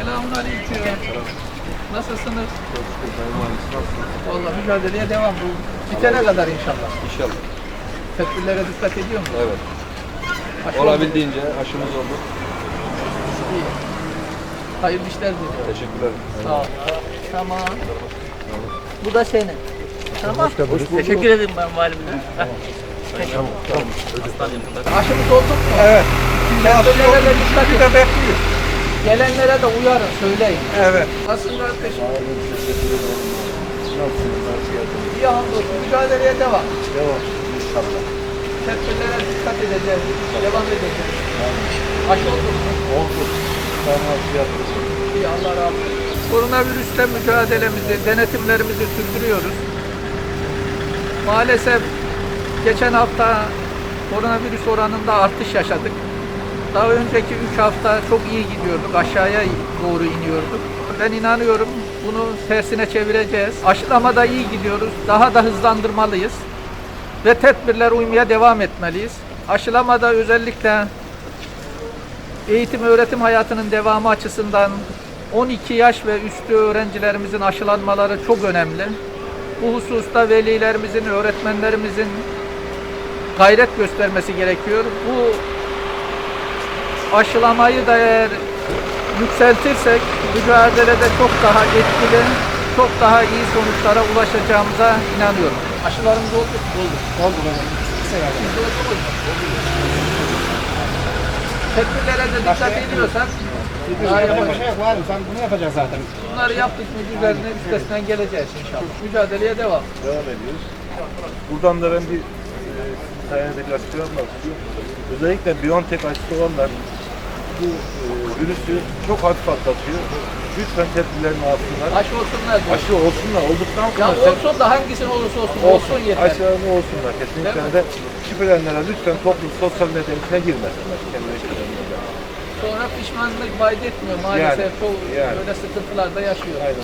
Selamünaleyküm. Nasılsınız? Vallahi mücadeleye devam. Bu bitene kadar inşallah. İnşallah. Tedbirlere dikkat ediyor musunuz? Evet. Aşı Olabildiğince aşımız oldu. oldu. İyi. Hayırlı işler diliyorum. Teşekkürler. Sağ ol. Tamam. Bu da senin. Tamam. Teşekkür ederim ben valimine. Aşımız olduk mu? Evet. Tedbirlere de dikkat Bir de edin. bekliyor. Gelenlere de uyarın, söyleyin. Evet. Nasılsın kardeşim? İyi hamdolsun. Mücadeleye devam. Devam. İnşallah. Tedbirlere dikkat edeceğiz. Devam edeceğiz. Aşı olduk mu? Oldu. Tamam. İyi, Allah razı olsun. Koronavirüsle mücadelemizi, denetimlerimizi sürdürüyoruz. Maalesef geçen hafta koronavirüs oranında artış yaşadık. Daha önceki 3 hafta çok iyi gidiyorduk, aşağıya doğru iniyorduk. Ben inanıyorum bunu tersine çevireceğiz. Aşılamada iyi gidiyoruz, daha da hızlandırmalıyız. Ve tedbirler uymaya devam etmeliyiz. Aşılamada özellikle eğitim öğretim hayatının devamı açısından 12 yaş ve üstü öğrencilerimizin aşılanmaları çok önemli. Bu hususta velilerimizin, öğretmenlerimizin gayret göstermesi gerekiyor. Bu aşılamayı da eğer yükseltirsek mücadelede çok daha etkili, çok daha iyi sonuçlara ulaşacağımıza inanıyorum. Aşılarımız oldu mu? Oldu. Oldu benim. Siz oldunuz mu? Tedbirlere de dikkat ediyorsak daha yaparız. Var. Sen bunu yapacaksın zaten. Bunları yaptık mı üzerine üstesinden geleceğiz inşallah. Mücadeleye devam. Devam ediyoruz. Buradan da ben bir sayede açıklamam istiyorum. Özellikle BioNTech aşısı olanlar bu virüsü çok hafif atlatıyor. Lütfen tedbirlerini alsınlar. Aşı olsunlar diyor. Aşı olsunlar. Olduktan Ya sonra olsun da hangisinin olursa olsun, olsun yeter. aşılarını olsunlar. Kesinlikle Değil mi? de şüphelenenlere lütfen toplum sosyal medyanın içine girmesinler. Kendileri şüphelenenler. Sonra pişmanlık vaat etmiyor maalesef. Yani, Çoğu yani. böyle sıkıntılar da yaşıyor. Aynen.